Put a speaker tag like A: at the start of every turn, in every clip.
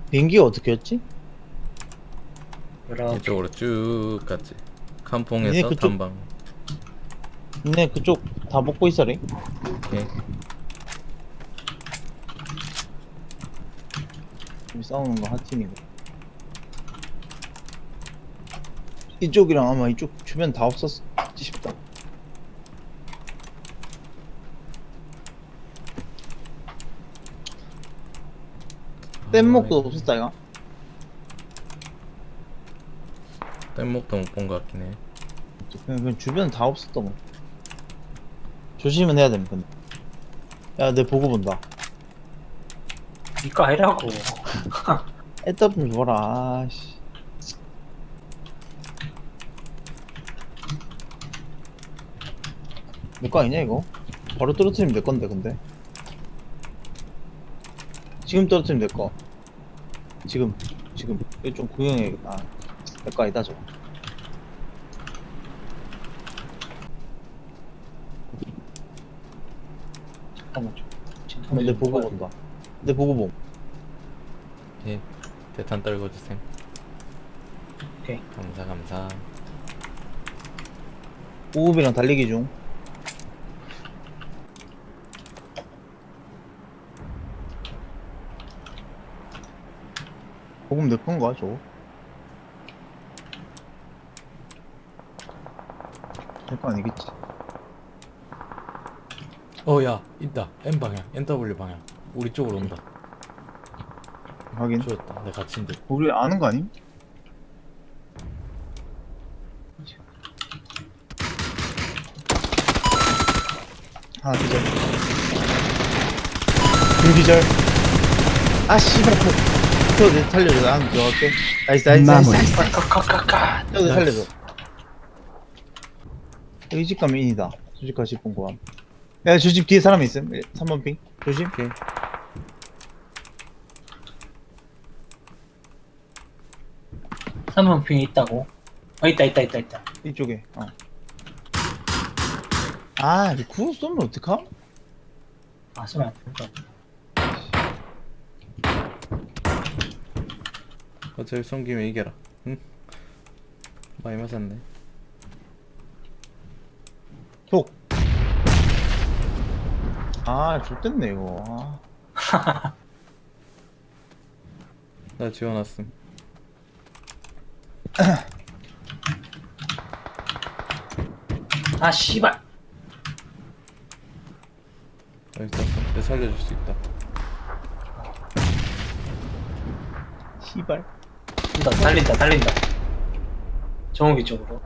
A: 비행기가 어떻게 였지?
B: 이렇게
C: 이쪽으로 쭉 갔지.
A: 니네
C: 칸퐁에서
A: 그쪽-
C: 탐방.
A: 니네 그쪽 다 먹고 있어래.
C: 오케이.
A: 우리 싸우는 거 한 팀이고. 이쪽이랑 아마 이쪽 주변 다 없었지 싶다. 뗏목도 없었다 이거.
C: 뗏목도 못 본 것 같긴 해.
A: 그냥 주변 다 없었던 거. 조심은 해야 됩니다. 근데. 야, 내 보고 본다.
B: 니거 아니라고.
A: 애답 좀 줘라. 아씨. 내 거 아니냐 이거? 바로 떨어뜨리면 내 건데 근데. 지금 떨어뜨리면 내 거. 지금 이거 좀 구경해야겠다. 내 거 아니다 저거.
B: 잠깐만 좀.
A: 내 보고 본다. 내 보고 봄.
C: 오케이. 대탄 떨궈주셈.
B: 오케이.
C: 감사.
A: 우흡이랑 달리기 중. 보금 내 건가 저거? 내 거 아니겠지.
C: 야 있다. N 방향, NW 방향. 우리 쪽으로 온다.
A: 하긴.
C: 죽었다. 내 갇힌 듯.
A: 우리 아는 거 아님? 하나 기절. 둘 기절. 아 씨발. 내 살려줘. 나 한번 들어갈게. 나이스.
B: 카카카카.
A: 내 살려줘. 여기 집 가면 인이다. 저 집 가시 본 거야. 야, 저 집 뒤에 사람이 있음. 3번 핑. 조심.
C: 오케이.
B: 삼번 핑이 있다고? 있다.
A: 이쪽에. 아, 이거 구워 쏘면 어떡함?
B: 아, 쏘면 안 된다.
C: 어차피 숨기면 이겨라. 응? 많이 맞았네.
A: 톡. 아, 좋댔네 이거. 아.
C: 나 지워놨음.
B: 아, 씨발.
C: 여기 있었어. 내 살려줄 수 있다.
A: 씨발.
B: 달린다. 정욱이 쪽으로.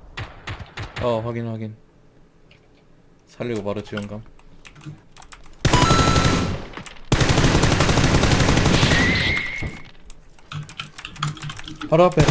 C: 확인. 살리고 바로 지원감. 바로 앞에.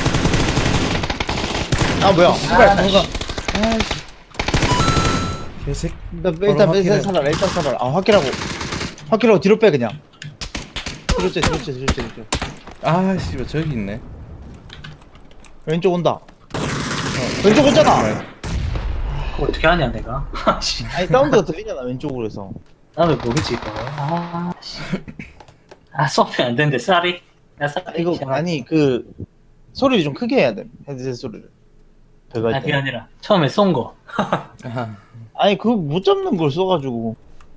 A: 아, 뭐야? 씨발. 뭔가.
C: 아이씨. 개색.
A: 일단
C: 바로
A: 일단
C: 확인해.
A: 살아라. 일단 살아라. 아, 확킬하고 뒤로 빼 그냥. 뒤로 째.
C: 아씨, 왜 저기 있네.
A: 왼쪽 온다. 왼쪽 오잖아.
B: 그거 어떻게 하냐, 내가? 아, 씨.
A: 아니 사운드가 들리잖아 왼쪽으로 해서.
B: 나 왜 모르지, 이거. 아, 씨. 쏘면 안 되는데, 쌀이? 야, 쌀이.
A: 이거 아니 그 소리를 좀 크게 해야 돼. 헤드셋 소리를. 배갈
B: 그게
A: 때.
B: 아니라, 처음에 쏜 거.
C: 아하.
A: 아니 그거 못 잡는 걸 써가지고.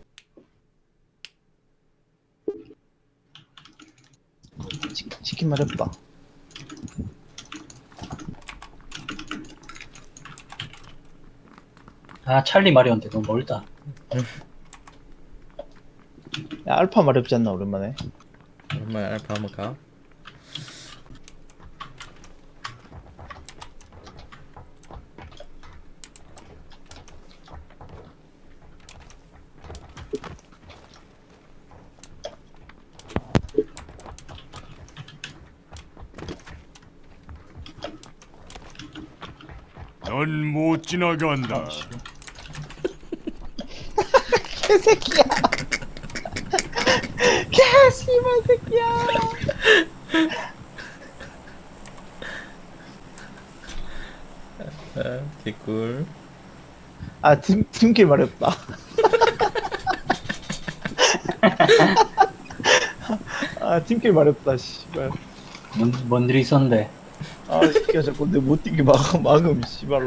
A: 치킨 말했다.
B: 아, 찰리 마리오인데 너무 멀다.
A: 야 알파 말했지 않나 오랜만에.
C: 오랜만에 알파 한번 가.
D: 넌 못 지나간다.
A: 개새끼야. 개씨발 새끼야.
C: 개꿀.
A: 아 팀킬 말했다. 아 아 팀킬 마렵다 씨발.
B: 뭔 일이 있었는데.
A: 아 새끼야 자꾸 내 못 뛰게 막음 씨발로.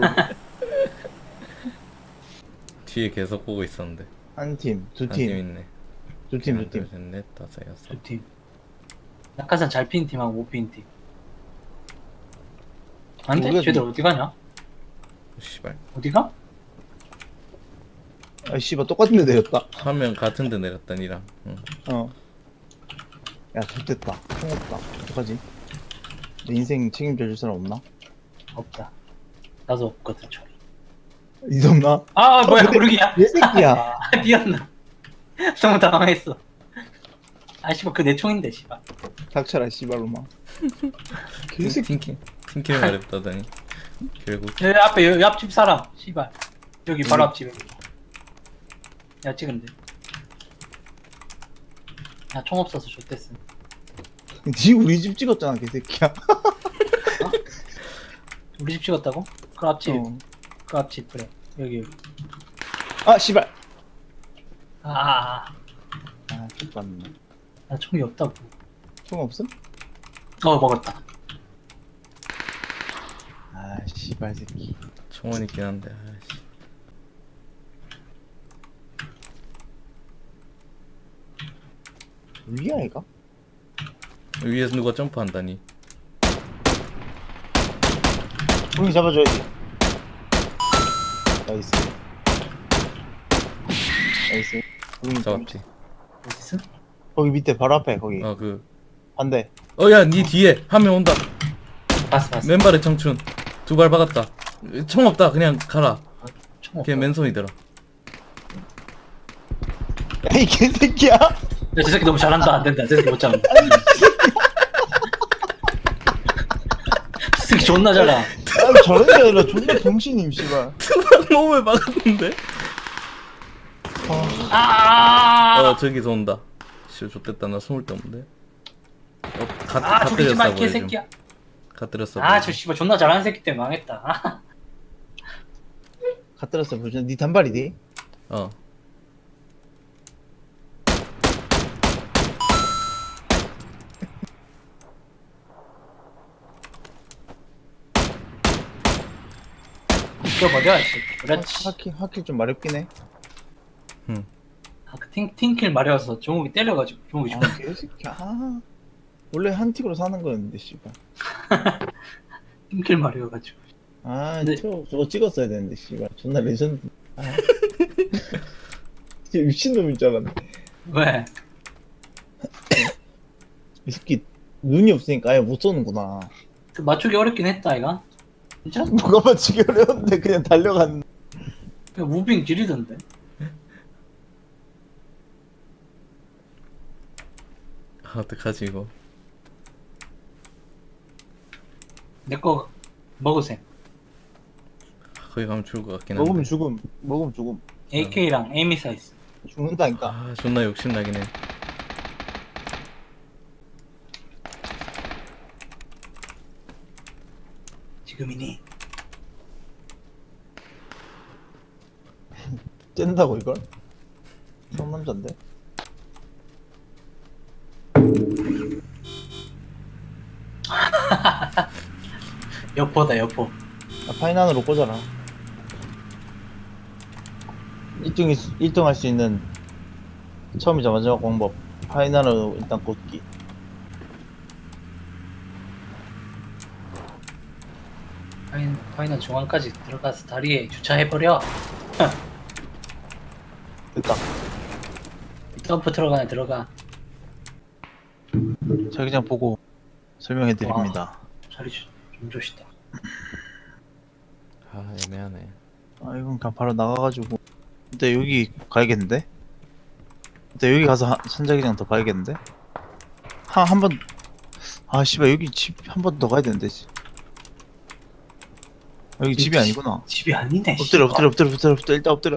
C: 뒤에 계속 보고 있었는데.
A: 한 팀, 두
C: 한 팀
A: 팀,
C: 있네.
A: 두 팀,
C: 하나,
A: 두 팀.
C: 둘, 셋, 넷, 다섯, 여섯.
B: 두 팀. 낙하산 잘 피는 팀하고 못 피는 팀. 안 돼?
A: 우리가
B: 쟤들 어디 가냐?
C: 씨발.
B: 어디가?
A: 아 씨발 똑같은 데 내렸다.
C: 한 명 같은 데 내렸다 니랑. 응.
A: 어. 야 좋됐다. 총 없다. 어떡하지? 내 인생 책임져 줄 사람 없나?
B: 없다. 나도 없거든, 저.
A: 이 없나?
B: 아, 뭐야,
A: 근데-
B: 모르기야.
A: 내 새끼야.
B: 아, 미안나. 너무 당황했어. 아, 씨발, 그 내 총인데, 씨발.
A: 닥쳐라 씨발로만. 개새끼.
C: 팀킬 말했다더니 결국
B: 여기 앞에, 여기 앞집 사람, 씨발. 여기 바로 앞집에. 야, 찍은데. 야, 총 없어서 좋댔어.
A: 니 우리 집 찍었잖아 개새끼야.
B: 우리 집 찍었다고? 그 앞집,
A: 어.
B: 그 앞집, 그래. 여기.
A: 아 씨발.
B: 아,
A: 아 X봤네.
B: 나 총이 없다고.
A: 총 없음?
B: 먹었다.
A: 아 씨발 새끼.
C: 총은 있긴 한데. 아이씨.
A: 위야 얘가?
C: 위에서 누가 점프한다니.
A: 형이 잡아줘야지. 나이스. 나이스. 형이
C: 잡았지.
B: 어딨어?
A: 거기 밑에 바로 앞에 거기
C: 어 그.
A: 반대.
C: 야, 니 뒤에 한 명 온다.
B: 봤어.
C: 맨발에 청춘. 두 발 박았다. 총 없다. 그냥 가라.
B: 총 없다.
C: 걔 맨손이더라.
A: 야이 개새끼야.
B: 야, 저 새끼 너무 잘한다. 안 된다. 저 새끼 못 잡는다. 저 새끼 존나 잘하.
A: 아 저런 게 아니라 존나 병신임 씨발.
C: 몸에 박았는데?
B: 아,
C: 저기서 온다. 씨, 좋됐다. 나 숨을 데 없는데.
B: 아, 죽이지 마,
C: 보여줌.
B: 개새끼야.
C: 갓들였어.
B: 아, 저 씨발 존나 잘하는 새끼 때문에 망했다. 아,
A: 갖다 보자. 니 단발이디?
C: 어.
B: 이거 버려, 이 새끼. 그렇지.
A: 하킬 좀 마렵긴 해.
B: 아, 그 팅킬 마려워서 종욱이 때려가지고 종욱이 죽었네.
A: 아 개새끼야. 아, 원래 한 틱으로 사는 거였는데 씨발.
B: 팅킬 마려워가지고.
A: 아
B: 근데-
A: 저거 찍었어야 되는데 씨발. 존나 레전드. 아. 진짜 미친놈인 줄 알았네.
B: 왜?
A: 이 새끼 눈이 없으니까 아예 못 쏘는구나.
B: 그 맞추기 어렵긴 했다, 이가. 진짜?
A: 누가 맞추기 어려운데 그냥 달려간.
B: 그냥 무빙 지리던데.
C: 아, 어떡하지 이거.
B: 내 거 먹으세요.
C: 거기 가면 죽을 것 같긴 한데.
A: 먹으면 죽음. 먹으면 죽음.
B: AK랑 에이미 사이즈.
A: 죽는다니까.
C: 아, 존나 욕심나긴 해.
B: 지금이니.
A: 쨘다고 이걸? 상남자인데?
B: 여포다, 여포.
A: 아, 파이난으로 꽂아라. 1등 할 수 있는 처음이자 마지막 방법. 파이난으로 일단 꽂기.
B: 파이널 중앙까지 들어가서 다리에 주차해버려.
A: 됐다.
B: 점프 들어가네, 들어가.
A: 자기장 보고 설명해 드립니다.
B: 자리 좀 좋시다.
C: 아, 애매하네.
A: 아, 이건 그냥 바로 나가가지고. 근데 여기 가야겠는데? 근데 여기 가서 선자기장 더 가야겠는데? 한 번, 아, 씨발, 여기 집 한 번 더 가야 되는데. 여기 집이 아니구나.
B: 집이 아니네.
A: 엎드려,
B: 씨발.
A: 엎드려. 일단 엎드려.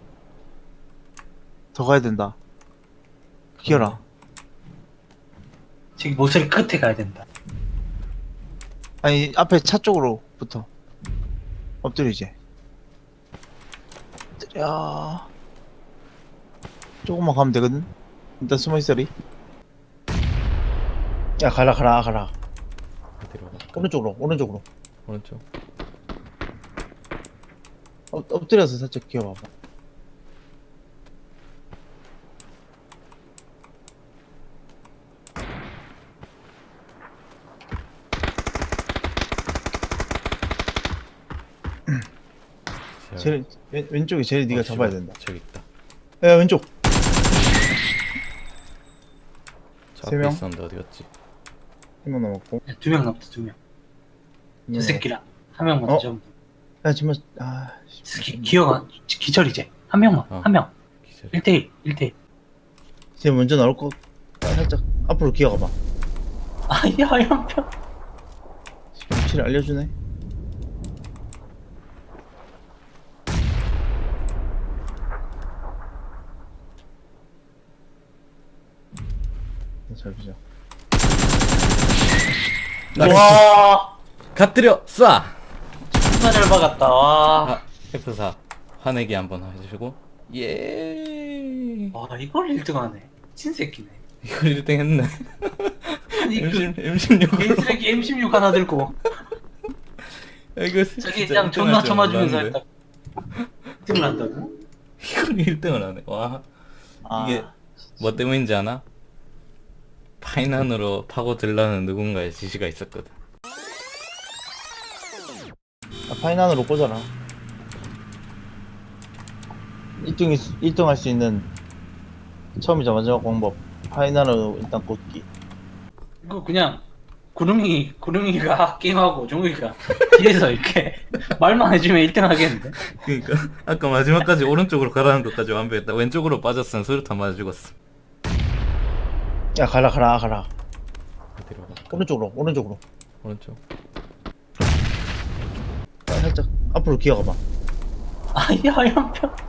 A: 더 가야 된다. 기어라.
B: 저기 모서리 끝에 가야 된다.
A: 아니, 앞에 차 쪽으로 붙어. 엎드려, 이제. 엎드려. 조금만 가면 되거든? 일단 숨어 있어리. 야 가라.
C: 어디로 갈까?
A: 오른쪽으로.
C: 오른쪽.
A: 엎드려서 살짝 기어봐봐. 왼쪽에 제리 네가 잡아야 된다.
C: 저기 있다.
A: 야 왼쪽.
C: 저
A: 세
C: 앞에
A: 명?
C: 있었는데 어디 갔지?
A: 1명 남았고.
B: 2명 남았다 2명. 저 새끼랑 한 명만
A: 어?
B: 더 잡으면 돼.
A: 야 정말
B: 기어가 기절 이제 한 명만
C: 어.
B: 한 명.
C: 기절.
B: 1대1
A: 쟤 먼저 나올 거. 살짝 앞으로 기어가봐.
B: 아야 연병.
A: 위치를 알려주네. 잘 보자.
B: 와
C: 갓들여 쏴.
B: 존나 잘 박았다. 와.
C: 아, F4 화내기 한번 해주시고. 예.
B: 와 이걸 1등하네. 친 새끼네.
C: 이걸 1등 했네.
B: 아니 그
C: M16.
B: 개쓰레기 M16 하나 들고
C: 이거
B: 자기
C: 진짜
B: 그냥 존나
C: 1등 할 줄
B: 쳐맞으면서
C: 몰랐는데.
B: 했다. 1등을 한다고?
C: 이걸 1등을 하네. 와. 이게 뭐 때문인지 아나? 파이난으로 파고들라는 누군가의 지시가 있었거든.
A: 파이난으로 꽂아라. 1등 할 수 있는 처음이자 마지막 방법. 파이난으로 일단 꽂기.
B: 이거 그냥 구름이가 게임하고 종욱이가 뒤에서 이렇게 말만 해주면 1등 하겠는데?
C: 그러니까 아까 마지막까지 오른쪽으로 가라는 것까지 완벽했다. 왼쪽으로 빠졌으면 수류탄 맞아 죽었어.
A: 야 가라.
C: 어디로 갈까?
A: 오른쪽.
C: 오른쪽.
A: 살짝 앞으로 기어가봐.
B: 아야 연병.